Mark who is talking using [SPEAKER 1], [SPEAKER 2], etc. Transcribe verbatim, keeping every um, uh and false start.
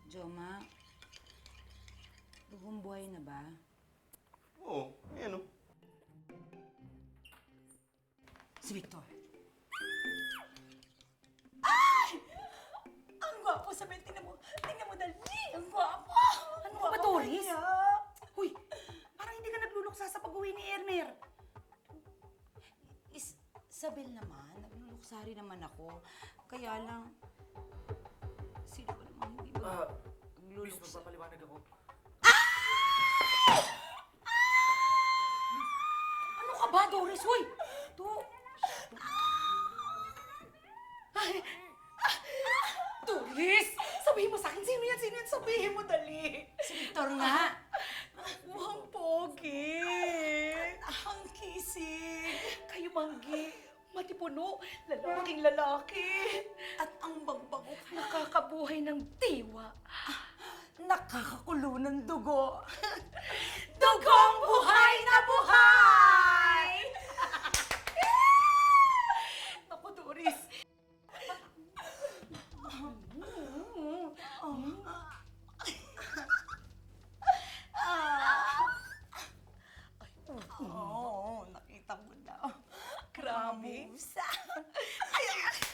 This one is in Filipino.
[SPEAKER 1] Joma, lubong buhay na ba?
[SPEAKER 2] Oo, ayan o.
[SPEAKER 1] Si Victor.
[SPEAKER 3] Ang gwapo, Sabel. Tingnan mo. Tingnan mo, dali. Ang gwapo.
[SPEAKER 1] Ano ka ba, Doris? Huy, parang hindi ka nagluluksa sa pag-uwi ni Ermer. Is, Sabel naman, nagluluksari naman ako. Kaya lang, sino ba naman hindi ba
[SPEAKER 4] Ah, Miss,
[SPEAKER 1] nagluluksa?
[SPEAKER 4] magpapaliwanag ako.
[SPEAKER 1] Ano ka ba, Doris? Huy! To... Ay! Doris!
[SPEAKER 3] Sabihin mo sa akin, sino yan? Sino yan? Sabihin mo, dali.
[SPEAKER 1] Si Victor nga!
[SPEAKER 3] Mukhang pogi. Ang kisig. Kayo, Manggi. Matipuno. Lalaking lalaki. At ang bangbango. Nakakabuhay ng diwa.
[SPEAKER 1] Nakakakulo ng dugo.
[SPEAKER 3] Dugong buhay na buhay! Naku, Doris.
[SPEAKER 1] Oo, nakita mo na.
[SPEAKER 3] Grabe.
[SPEAKER 1] Mamusa.
[SPEAKER 3] Ay, ay,